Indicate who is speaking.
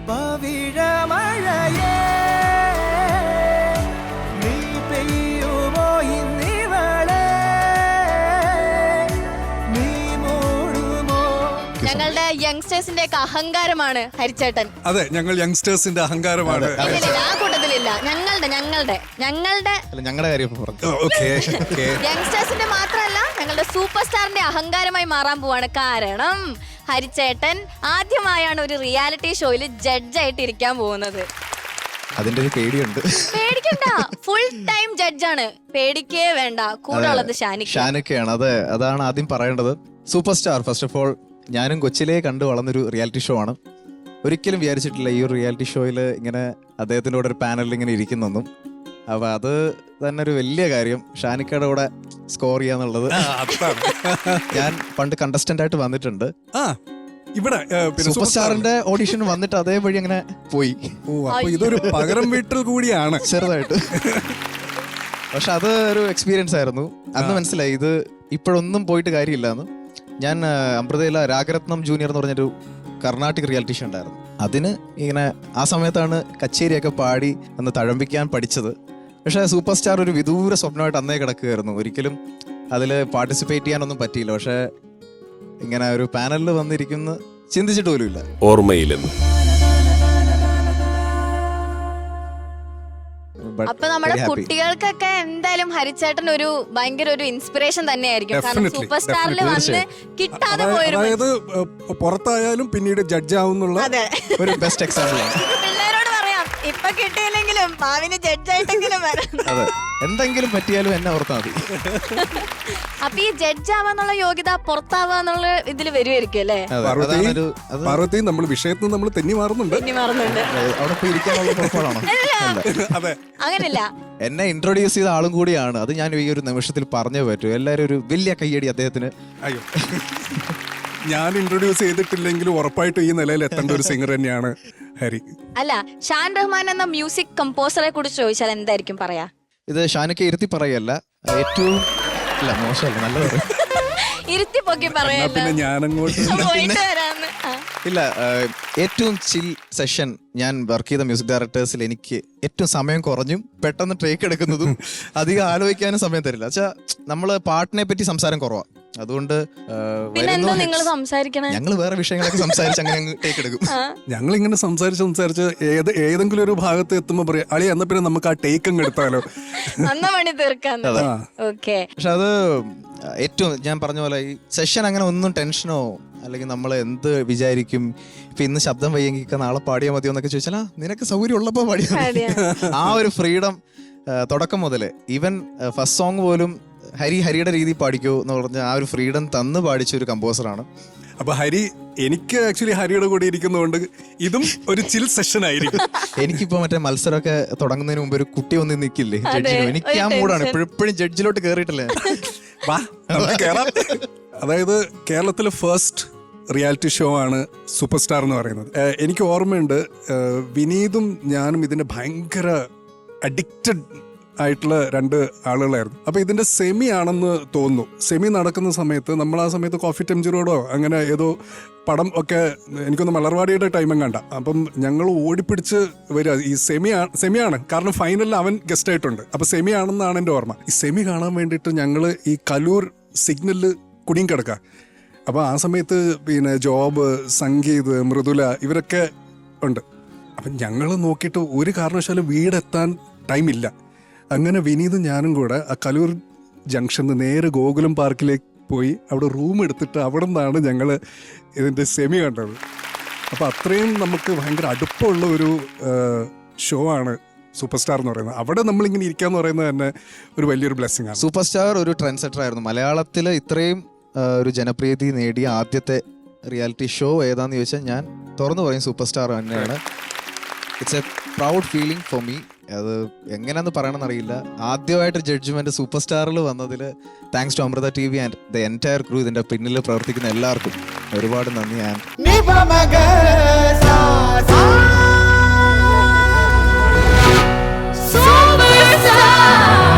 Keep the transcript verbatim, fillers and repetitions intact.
Speaker 1: പവിഴമഴയേ നീ പെയ്യുമോ ഇന്നിവളെ നീ മൂടുമോ.
Speaker 2: ഞങ്ങളുടെ യങ്സ്റ്റേഴ്സിന്റെ ഒക്കെ അഹങ്കാരമാണ് ഹരിച്ചേട്ടൻ.
Speaker 3: അതെ, ഞങ്ങൾ യങ്സ്റ്റേഴ്സിന്റെ അഹങ്കാരമാണ്.
Speaker 2: ഇല്ലില്ല, ആ കൂട്ടത്തിലില്ല. ഞങ്ങളുടെ ഞങ്ങളുടെ ഞങ്ങളുടെ
Speaker 4: ഞങ്ങളുടെ കാര്യം പറഞ്ഞു.
Speaker 2: യങ്സ്റ്റേഴ്സിന്റെ മാത്രമല്ല, ഞങ്ങളുടെ സൂപ്പർ സ്റ്റാറിന്റെ അഹങ്കാരമായി മാറാൻ പോവാണ്. കാരണം ഹരിച്ചേട്ടൻ ആദ്യമായാണ് ഒരു റിയാലിറ്റി ഷോയിൽ ജഡ്ജായിട്ട് ഇരിക്കാൻ പോകുന്നത്.
Speaker 4: അതിന്റെ ഒരു പേടിയുണ്ട്.
Speaker 2: പേടിക്കണ്ട, ഫുൾ ടൈം ജഡ്ജാണ്. പേടിക്കേ വേണ്ട. കൂടെ ഉള്ളത് ഷാനിക്ക.
Speaker 4: ഷാനിക്കയാണ്. അതെ, അതാണ് ആദ്യം പറയേണ്ടത്. Super star first of all ഞാനും കൊച്ചിലേ കണ്ടു വളർന്നൊരു റിയാലിറ്റി ഷോ ആണ്. ഒരിക്കലും വിചാരിച്ചിട്ടില്ല ഈ ഒരു റിയാലിറ്റി ഷോയിൽ ഇങ്ങനെ അദ്ദേഹത്തിൻ്റെ കൂടെ ഒരു പാനലിൽ ഇങ്ങനെ ഇരിക്കുന്നെന്നും. അപ്പൊ അത് തന്നെ ഒരു വലിയ കാര്യം, ഷാനിക്കയുടെ കൂടെ സ്കോർ ചെയ്യാന്നുള്ളത്. ഞാൻ പണ്ട് കണ്ടസ്റ്റന്റ് ആയിട്ട് വന്നിട്ടുണ്ട്
Speaker 3: ഇവിടെ
Speaker 4: സൂപ്പർ സ്റ്റാറിന്റെ ഓഡിഷൻ വന്നിട്ട് അതേ വഴി അങ്ങനെ പോയി.
Speaker 3: ഓ, അപ്പൊ ഇതൊരു പകരം വീട്ടിൽ കൂടിയാണ്
Speaker 4: ചെറുതായിട്ട്. പക്ഷെ അത് ഒരു എക്സ്പീരിയൻസ് ആയിരുന്നു. അന്ന് മനസ്സിലായി ഇത് ഇപ്പോഴൊന്നും പോയിട്ട് കാര്യമില്ലാന്ന്. ഞാൻ അമൃതയില രാഗരത്നം ജൂനിയർ എന്ന് പറഞ്ഞൊരു കർണാട്ടിക് റിയാലിറ്റി ഷോ ഉണ്ടായിരുന്നു. അതിന് ഇങ്ങനെ ആ സമയത്താണ് കച്ചേരിയൊക്കെ പാടി അന്ന് തഴമ്പിക്കാൻ പഠിച്ചത്. പക്ഷേ സൂപ്പർ സ്റ്റാർ ഒരു വിദൂര സ്വപ്നമായിട്ട് അന്നേ കിടക്കുകയായിരുന്നു. ഒരിക്കലും അതിൽ പാർട്ടിസിപ്പേറ്റ് ചെയ്യാനൊന്നും പറ്റിയില്ല. പക്ഷേ ഇങ്ങനെ ഒരു പാനലിൽ വന്നിരിക്കുന്ന ചിന്തിച്ചിട്ട് പോലും ഇല്ല.
Speaker 5: ഓർമ്മയിലെന്ന്
Speaker 2: അപ്പൊ നമ്മുടെ കുട്ടികൾക്കൊക്കെ എന്തായാലും ഹരിച്ചേട്ടൻ ഒരു ഭയങ്കര ഒരു ഇൻസ്പിറേഷൻ തന്നെയായിരിക്കും. കാരണം സൂപ്പർ സ്റ്റാറിൽ വന്ന് കിട്ടാതെ പോയൊരു,
Speaker 3: അതായത് പുറത്തായാലും പിന്നീട് ജഡ്ജ് ആവുന്നുള്ള
Speaker 4: ഒരു ബെസ്റ്റ് എക്സാമ്പിൾ ആണ്.
Speaker 2: പിള്ളേരോട് പറയാം, ഇപ്പൊ കിട്ടിയില്ലെങ്കിലും ഭാവിന് ജഡ്ജായിട്ടെങ്കിലും വരാം.
Speaker 4: അതെ, എന്തെങ്കിലും പറ്റിയാലും എന്നെ ഓർത്താൽ മതി.
Speaker 2: അപ്പൊ ഈ ജഡ്ജ് ആവാന്നുള്ള യോഗ്യത പുറത്താവാന്നുള്ള ഇതില് വരുമായിരിക്കും അല്ലേ?
Speaker 3: പാർവതി, നമ്മൾ വിഷയത്തിൽ നമ്മൾ തെന്നി മാറുന്നുണ്ട്.
Speaker 2: തെന്നി മാറുന്നുണ്ട്.
Speaker 4: അവിടെ പോയി ഇരിക്കാനുള്ള പുറപ്പാടാണോ?
Speaker 3: അതെ,
Speaker 2: അങ്ങനല്ല.
Speaker 4: എന്നെ ഇൻട്രൊഡ്യൂസ് ചെയ്ത ആളും കൂടിയാണ്. അത് ഞാൻ ഈ ഒരു നിമിഷത്തിൽ പറഞ്ഞേ പറ്റൂ. എല്ലാരും ഒരു വലിയ കയ്യടി അദ്ദേഹത്തിന്.
Speaker 3: അയ്യോ, ഞാൻ ഇൻട്രൊഡ്യൂസ് ചെയ്തിട്ടില്ലെങ്കിലും ഉറപ്പായിട്ടും ഈ നിലയിൽ എത്തേണ്ട ഒരു സിംഗർ തന്നെയാണ് ഹരി.
Speaker 2: അല്ല, ഷാൻ റഹ്മാൻ എന്ന മ്യൂസിക് കമ്പോസറെ കുറിച്ച് ചോദിച്ചാൽ എന്തായിരിക്കും പറയാ?
Speaker 4: ഇത് ഷാനൊക്കെ ഇരുത്തി പറയല്ല, ഏറ്റവും അല്ല മോശമല്ല, നല്ലത്
Speaker 2: ഇരുത്തി പൊക്കി പറയല്ല.
Speaker 3: പിന്നെ ഞാനങ്ങോട്ട്
Speaker 4: ഇല്ല, ഏറ്റവും ചിൽ സെഷൻ ഞാൻ വർക്ക് ചെയ്ത മ്യൂസിക് ഡയറക്ടേഴ്സിൽ എനിക്ക് ഏറ്റവും സമയം കുറഞ്ഞും പെട്ടെന്ന് ട്രേക്ക് എടുക്കുന്നതും അധികം ആലോചിക്കാനും സമയം തരില്ല. വെച്ചാ നമ്മള് പാട്ടിനെ പറ്റി സംസാരം കുറവാ. അതുകൊണ്ട് ഞങ്ങൾ വേറെ വിഷയങ്ങളൊക്കെ സംസാരിച്ച് അങ്ങനെ ടേക്ക് എടുക്കും.
Speaker 3: ഞങ്ങൾ ഇങ്ങനെ സംസാരിച്ച് സംസാരിച്ച് ഏത് ഏതെങ്കിലും ഒരു ഭാഗത്ത് എത്തുമ്പോ പറയാം, അളി എന്നാ പിന്നെ നമുക്ക് ആ ടേക്ക് അങ്ങ് എടുത്താലോ.
Speaker 4: പക്ഷെ അത് ഏറ്റവും ഞാൻ പറഞ്ഞ പോലെ ഈ സെഷൻ അങ്ങനെ ഒന്നും ടെൻഷനോ അല്ലെങ്കിൽ നമ്മൾ എന്ത് വിചാരിക്കും, ഇപ്പൊ ഇന്ന് ശബ്ദം വയ്യെങ്കിൽ നാളെ പാടിയാൽ മതിയോ എന്നൊക്കെ ചോദിച്ചാൽ നിനക്ക് സൗകര്യം ഉള്ളപ്പോ പാടിയാ. ആ ഒരു ഫ്രീഡം തുടക്കം മുതലേ, ഈവൻ ഫസ്റ്റ് സോങ് പോലും ഹരി ഹരിയുടെ രീതി പാടിക്കോ എന്ന് പറഞ്ഞ ആ ഒരു ഫ്രീഡം തന്ന് പാടിച്ച ഒരു കമ്പോസറാണ്.
Speaker 3: അപ്പൊ ഹരി, എനിക്ക് ആക്ച്വലി ഹരിയുടെ കൂടെ ഇരിക്കുന്നതുകൊണ്ട് ഇതും ഒരു ചിൽ സെഷൻ ആയിരിക്കും.
Speaker 4: എനിക്കിപ്പോ മറ്റേ മത്സരമൊക്കെ തുടങ്ങുന്നതിന് മുമ്പ് ഒരു കുട്ടി വന്ന് നിൽക്കില്ലേ ജഡ്ജിന്, എനിക്ക് ആ മൂടാണ്. എപ്പോഴും ജഡ്ജിലോട്ട് കേറിയിട്ടില്ലേ.
Speaker 3: അതായത് കേരളത്തിലെ ഫസ്റ്റ് റിയാലിറ്റി ഷോ ആണ് സൂപ്പർ സ്റ്റാർ എന്ന് പറയുന്നത്. എനിക്ക് ഓർമ്മയുണ്ട്, വിനീതും ഞാനും ഇതിന്റെ ഭയങ്കര അഡിക്റ്റഡ് ആയിട്ടുള്ള രണ്ട് ആളുകളായിരുന്നു. അപ്പൊ ഇതിന്റെ സെമി ആണെന്ന് തോന്നുന്നു. സെമി നടക്കുന്ന സമയത്ത് നമ്മൾ ആ സമയത്ത് കോഫി ടെംജിറോടോ അങ്ങനെ ഏതോ പടം ഒക്കെ, എനിക്കൊന്ന് മലർവാടിയുടെ ടൈമും കണ്ട. അപ്പം ഞങ്ങൾ ഓടിപ്പിടിച്ച് വരിക, ഈ സെമി സെമിയാണ്, കാരണം ഫൈനലിൽ അവൻ ഗസ്റ്റ് ആയിട്ടുണ്ട്. അപ്പൊ സെമി ആണെന്നാണ് എൻ്റെ ഓർമ്മ. ഈ സെമി കാണാൻ വേണ്ടിയിട്ട് ഞങ്ങൾ ഈ കലൂർ സിഗ്നലിൽ കുടുങ്ങി കിടക്കുക. അപ്പോൾ ആ സമയത്ത് പിന്നെ ജോബ്, സംഗീത്, മൃദുല ഇവരൊക്കെ ഉണ്ട്. അപ്പം ഞങ്ങൾ നോക്കിയിട്ട് ഒരു കാരണവശാലും വീടെത്താൻ ടൈമില്ല. അങ്ങനെ വിനീതും ഞാനും കൂടെ ആ കലൂർ ജംഗ്ഷനിൽ നേരെ ഗോകുലം പാർക്കിലേക്ക് പോയി അവിടെ റൂം എടുത്തിട്ട് അവിടെ നിന്നാണ് ഞങ്ങൾ ഇതിൻ്റെ സെമി കണ്ടത്. അപ്പോൾ അത്രയും നമുക്ക് ഭയങ്കര അടുപ്പമുള്ള ഒരു ഷോ ആണ് സൂപ്പർ സ്റ്റാർ എന്ന് പറയുന്നത്. അവിടെ നമ്മളിങ്ങനെ ഇരിക്കാന്ന് പറയുന്നത് തന്നെ ഒരു വലിയൊരു ബ്ലെസ്സിങ് ആണ്.
Speaker 4: സൂപ്പർ സ്റ്റാർ ഒരു ട്രെൻഡ് സെറ്റർ ആയിരുന്നു. മലയാളത്തിൽ ഇത്രയും ഒരു ജനപ്രീതി നേടിയ ആദ്യത്തെ റിയാലിറ്റി ഷോ ഏതാന്ന് ചോദിച്ചാൽ ഞാൻ തുറന്നു പറയും സൂപ്പർ സ്റ്റാർ തന്നെയാണ്. It's a proud feeling for me. അത് എങ്ങനെയാന്ന് പറയണമെന്ന് അറിയില്ല. ആദ്യമായിട്ട് ജഡ്ജ്മെന്റ് സൂപ്പർ സ്റ്റാറിൽ വന്നതിൽ thanks to Amrita T V and the entire crew, ഇതിന്റെ പിന്നിൽ പ്രവർത്തിക്കുന്ന എല്ലാവർക്കും ഒരുപാട് നന്ദി. ആൻഡ്